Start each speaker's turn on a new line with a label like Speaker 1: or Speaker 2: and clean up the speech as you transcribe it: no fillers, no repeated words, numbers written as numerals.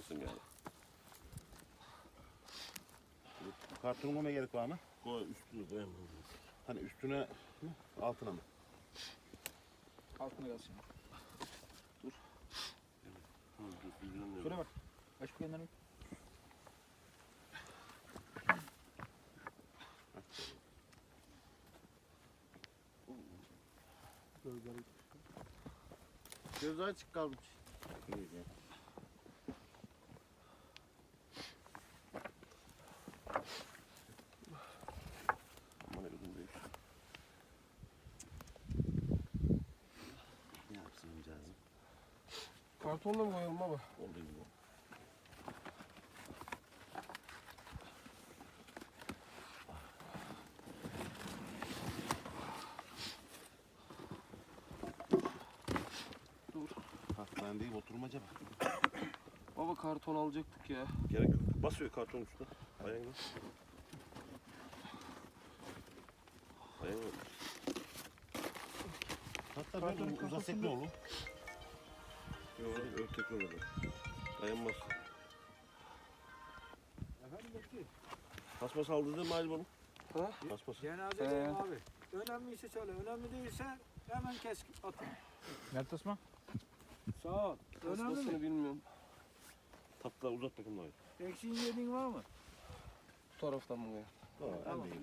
Speaker 1: mısın yani?
Speaker 2: Kartonu koymaya gerek var mı?
Speaker 1: Koy üstünü koyamam.
Speaker 2: Hani üstüne mi? Altına mı?
Speaker 3: Altına gelsin.
Speaker 1: Dur,
Speaker 3: Şöyle bak. Aç bu kenarını.
Speaker 4: Gözü açık kalmış.
Speaker 1: Aman elim değil. Ne yapsın amcağızım?
Speaker 4: Kartonla mı koyalım baba?
Speaker 1: Oldu gibi.
Speaker 2: Hastanedeyim oturmaca bak.
Speaker 4: Baba karton alacaktık ya.
Speaker 1: Gerek yok. Basıyor kartonun üstüne. Ayağına. Ayağına.
Speaker 2: Hatta
Speaker 3: Kartonun
Speaker 2: böyle uzatsak
Speaker 3: kafasında-
Speaker 2: ne olur?
Speaker 1: Yok, örtek orada. Dayanmaz.
Speaker 5: Efendim bekliyor.
Speaker 1: Paspas aldırdın mı Ali bunu?
Speaker 5: Ha?
Speaker 1: Paspas.
Speaker 5: Cenazedeyim abi. Önemliyse söyle. Önemli değilse hemen kes atın.
Speaker 3: Nerede Osman?
Speaker 5: Sağ ol. Önemli mi?
Speaker 1: Paspasını bilmiyorum. Tatlı uzat bakayım da.
Speaker 5: Eksiğin yediğin var mı?
Speaker 4: Bu taraftan mı koyalım?
Speaker 2: Tamam.